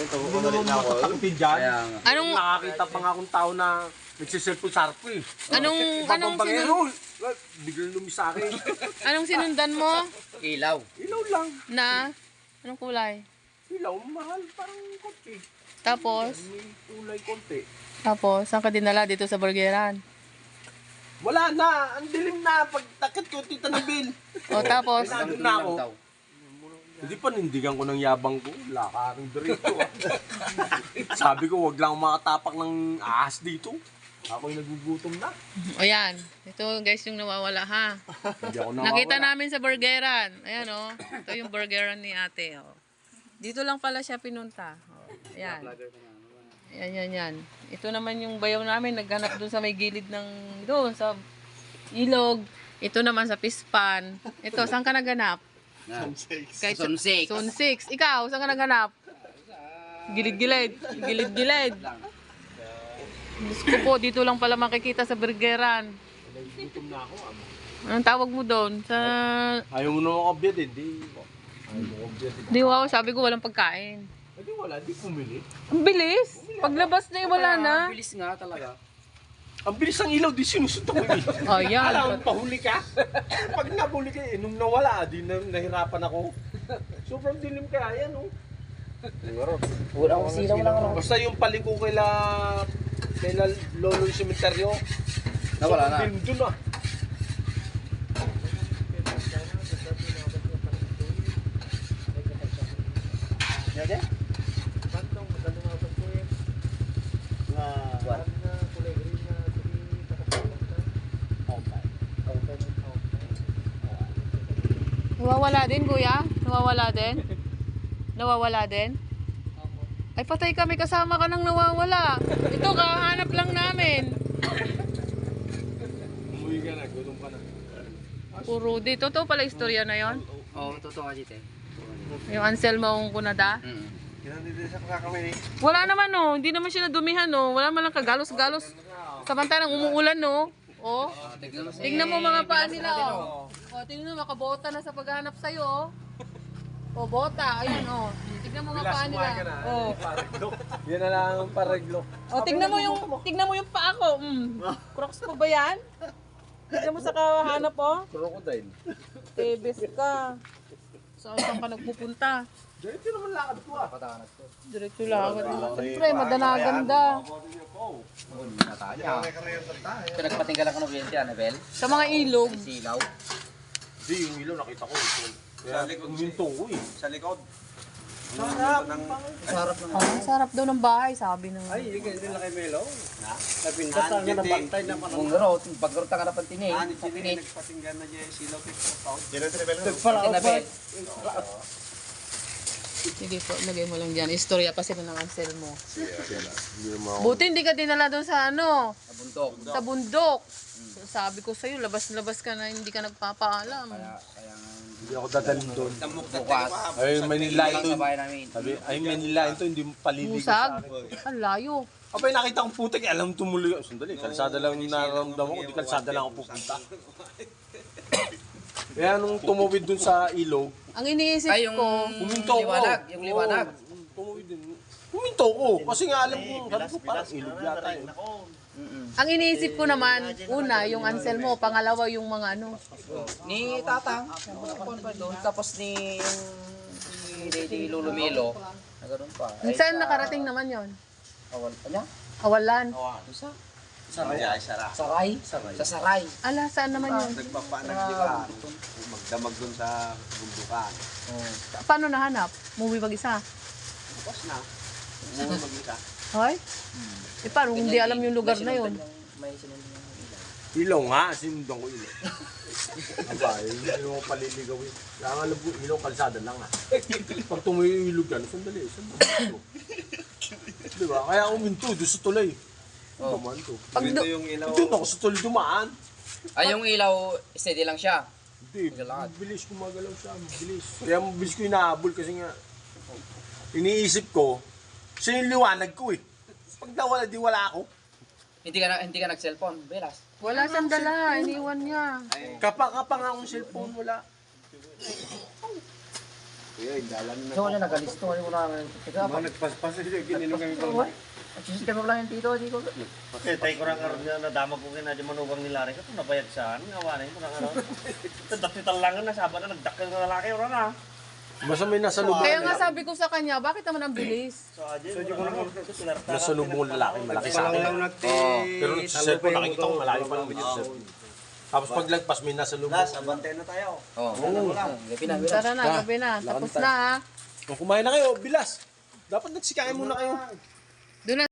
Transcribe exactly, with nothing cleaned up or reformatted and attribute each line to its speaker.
Speaker 1: ito,
Speaker 2: Hindi
Speaker 1: ano rin
Speaker 2: naman
Speaker 1: ako.
Speaker 2: matatakipin dyan.
Speaker 1: Kaya nga.
Speaker 3: Anong,
Speaker 2: Nakakita pa nga akong tao na nagsiselfon sa harap ko eh.
Speaker 3: anong, anong,
Speaker 2: Babambangero,
Speaker 3: sinun,
Speaker 2: biglang lumis sa akin.
Speaker 3: anong sinundan mo
Speaker 1: Ilaw.
Speaker 2: Ilaw lang.
Speaker 3: na, anong kulay?
Speaker 2: Ilaw, mahal, parang konti.
Speaker 3: Tapos,
Speaker 2: May kulay konti.
Speaker 3: tapos, saan ka dinala dito sa burgeran?
Speaker 2: Wala na, ang dilim na. Pag takit ko, tita ni Bill.
Speaker 3: O tapos,
Speaker 2: Nandun na ako. Hindi pa nindigan ko ng yabang ko. Lakaring dirito. Sabi ko, wag lang makatapak ng ahas dito. Ako'y nagugutom na.
Speaker 3: o yan, ito guys yung nawawala ha.
Speaker 2: Hindi ako nawawala.
Speaker 3: Nakita namin sa burgeran. Ayan o, ito yung burgeran ni ate. O. Dito lang pala siya pinunta. O, ayan. Yan, yan, yan. Ito naman yung bayaw namin, naghanap doon sa may gilid ng, doon sa ilog. Ito naman sa pispan. Ito, saan ka naghanap? Kay
Speaker 1: Zone six.
Speaker 3: Zone six. Ikaw, saan ka naghanap? Gilid-gilid. Gilid-gilid. Diyos ko po, dito lang pala makikita sa burgeran.
Speaker 2: Nagugutom na ako. Amo.
Speaker 3: Anong tawag mo doon? Sa...
Speaker 2: Ayaw mo na makabiyad eh. Di, ayaw mo makabiyad eh.
Speaker 3: Di wow, sabi ko walang pagkain.
Speaker 2: Hindi wala, di pumili.
Speaker 3: Ang bilis. Paglabas na eh, wala na.
Speaker 1: Bilis nga talaga.
Speaker 2: Ang bilis ng ilaw, di sinusuntok ko eh.
Speaker 3: Oh, yan.
Speaker 2: Alam, pahuli ka. Pag nahuli ka eh, nung nawala, di na, nahirapan ako. Sobrang dilim kaya yan, oh.
Speaker 1: Wala akong silaw lang ano.
Speaker 2: Basta yung paliko kaila, kaila lolo yung sementeryo.
Speaker 1: Nawala na.
Speaker 2: Sobrang dilim dun ah.
Speaker 1: Yan yan?
Speaker 3: Nawawala din, kuya? Nawawala din? Nawawala din? Ay, patay ka. May kasama ka nang nawawala. Ito, kahanap lang namin.
Speaker 2: Umuwi ka na, gutom ka na.
Speaker 3: Puro di. Totoo pala istorya na yon.
Speaker 1: Oo, totoo ka dito eh.
Speaker 3: Yung Anselmo ang kunada.
Speaker 1: Mm.
Speaker 3: Wala naman, no. Hindi naman siya nadumihan, no. Wala man lang kagalos-galos. Samantalang umuulan, no. Oh.
Speaker 1: Tignan mo si...
Speaker 3: Tingnan mo mga paa nila, oh. Oh, tingnan mo, makabota na sa paghahanap sa'yo, oh. Oh, bota. Ayun, oh. Tingnan mo mga paa nila. Oh.
Speaker 2: Yan na lang ang pareglo.
Speaker 3: Oh, tingnan mo yung tingnan mo yung paa ko. Mm. Crocs mo ba 'yan? Tingnan mo sa kahanap, oh.
Speaker 2: Crocodile.
Speaker 3: Tebes ka. Saan saan ka nagpupunta?
Speaker 2: Diretso naman lakad ko ah.
Speaker 1: Patangat ko.
Speaker 3: Diretso lang. Siyempre, madanaganda.
Speaker 1: Pinagpating ka lang ng biyente, Anabel.
Speaker 3: Sa mga ilog.
Speaker 1: Silaw.
Speaker 2: Hindi, yung ilaw nakita ko. Kaya uminto ko eh.
Speaker 4: Sa likod.
Speaker 2: Sarap.
Speaker 1: Sarap ng...
Speaker 3: Oh, ang sarap daw ng bahay, sabi ng...
Speaker 4: Ay, hindi nila kay Melo.
Speaker 2: Napindas na nga nabantay na
Speaker 1: Kung garo, pag garo ka na pantingin.
Speaker 4: Ah, hindi sila
Speaker 1: Pantingin.
Speaker 4: nagpatinggan na niya silaw tito.
Speaker 1: Anabel.
Speaker 3: Sige po, lagay mo lang dyan. Istorya pa sila ng Ansel mo. Buti hindi ka dinala doon sa ano,
Speaker 1: Nabundok.
Speaker 3: sa bundok. So, sabi ko sa'yo, labas-labas ka na, hindi ka nagpapaalam.
Speaker 1: Kaya, kaya nga...
Speaker 2: Hindi ako dadalhin doon.
Speaker 1: Bukas.
Speaker 2: Ay, Manila
Speaker 1: Lang
Speaker 2: ito.
Speaker 1: sa bahay namin.
Speaker 2: Sabi, ay Manila ito, hindi paliligo
Speaker 3: Busag?
Speaker 2: sa akin.
Speaker 3: Ang layo.
Speaker 2: Abay, nakita kong putik, alam tumuloy. Sandali, kalsada lang yung nararamdaman ko, di kalsada lang ako pupunta. Kaya nung tumawid dun sa ilog,
Speaker 3: Ang iniisip
Speaker 1: Ay, yung
Speaker 3: ko,
Speaker 2: huminto ko.
Speaker 1: liwanag. Yung liwanag.
Speaker 2: Oo, tumawid din. Huminto ko, kasi nga alam ko, sabi ko parang ilog yata eh.
Speaker 1: Mm-mm.
Speaker 3: ang iniisip ko naman, una, yung Ansel mo, pangalawa, yung mga ano.
Speaker 1: Ni Tatang. Napon pa doon. Tapos ni... Ni Lady Lulumilo. Na ganun pa. Ay,
Speaker 3: Saan
Speaker 1: sa-
Speaker 3: nakarating naman yon?
Speaker 1: Awal pa niya?
Speaker 3: Awalan.
Speaker 1: Isa.
Speaker 4: Saray ay sara.
Speaker 1: Saray. Sa Saray.
Speaker 3: Ala, saan naman yun?
Speaker 4: Nagpapanag di ba? Magdamag dun sa bundukan.
Speaker 1: Oh.
Speaker 3: Paano nahanap? Movie mag-isa?
Speaker 4: Bukas na. Umuwi mag-isa.
Speaker 3: Hoy? Eh, paano kung hindi alam yung lugar na yun?
Speaker 1: May sinundan yung ilaw.
Speaker 2: Ilaw nga, sinundan ko ilaw. Aba, hindi mo paliligawin. Kaya nga alam ko, ilaw, kalsada lang ah. Pag tumuyo yung ilog yan, sandali, sandali. Diba? Kaya uminto, doon sa tulay.
Speaker 1: Oh.
Speaker 2: Dumaan to.
Speaker 3: Pag
Speaker 4: Ito
Speaker 3: do-
Speaker 4: yung ilaw.
Speaker 2: Doon ako sa tulay dumaan.
Speaker 1: Ay, yung ilaw, steady lang siya.
Speaker 2: Hindi,
Speaker 1: Magalakad.
Speaker 2: mabilis gumagalaw siya, mabilis. Kaya mabilis ko hinahabol kasi nga, iniisip ko, siya yung liwanag ko eh. Pag nawala, di wala ako.
Speaker 1: Hindi ka na, hindi ka nag-cellphone, Belas.
Speaker 3: wala siyang dala, iniwan niya.
Speaker 2: Kapa-kapa nga akong cellphone, wala.
Speaker 4: Kuya, indalan na.
Speaker 1: So, ano, nagalisto. Ano mo namin? Teka,
Speaker 4: Mga nagpaspas eh, gininom kami pala.
Speaker 1: at sisi kami lang yung tito, di ko.
Speaker 5: Eh, tayo ko lang karoon nga nadama ko kina di manugang nila rin. Ito nabayag saan, ngawanin ko lang karoon. Ito daktital lang na, sabi na nagdakil na lalaki oras na.
Speaker 2: Basta may nasa lubong.
Speaker 3: Kaya nga sabi ko sa kanya, bakit naman ang bilis?
Speaker 5: So, adyo, so, ko lang ito, pilarta.
Speaker 2: Nasa lubong lalaki, malaki sa akin.
Speaker 4: lang nagti.
Speaker 2: Pero sa cellphone, nakikita ko malaki pa lang yung cellphone. Tapos paglagpas, may nasa lubong.
Speaker 5: Las, abante na tayo.
Speaker 1: Oo. Gabi na, gabi na.
Speaker 3: Tara na, gabi na. Tapos na ha.
Speaker 2: Kung kumain na kayo, bilas. Dapat nagsikain muna kayo.
Speaker 3: Doon na